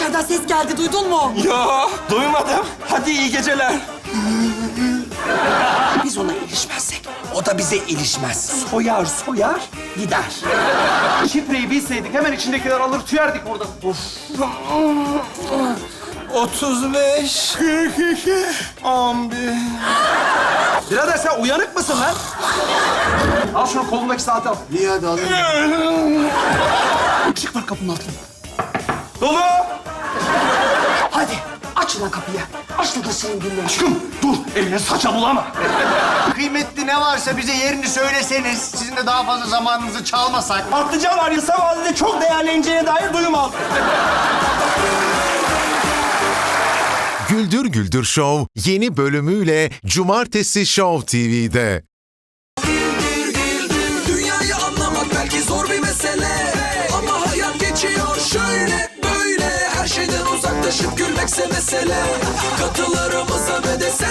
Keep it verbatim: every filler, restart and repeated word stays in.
İçeriden ses geldi, duydun mu? Ya duymadım. Hadi iyi geceler. Biz ona ilişmezsek o da bize ilişmez. Soyar soyar gider. Şifreyi bilseydik hemen içindekiler alır tüyerdik burada. Of. otuz beş, kırk iki, on bir. Birader sen uyanık mısın lan? Al şunu, kolundaki saati al. İyi hadi alayım. Işık var kapının altında. Dolu! Hadi aç lan kapıyı. Aç da senin dinle. Aşkım dur, eline saça bulama. Kıymetli ne varsa bize yerini söyleseniz, sizin de daha fazla zamanınızı çalmasak. Patlıcan var ya, sabahleyin çok değerleneceğine dair duyum aldım. Güldür Güldür Show yeni bölümüyle Cumartesi Show T V'de. Dünyayı anlamak belki zor bir mesele, ama hayat geçiyor şöyle böyle. Her şeyden uzaklaşıp gülmekse mesele. Katılarımıza ve de sen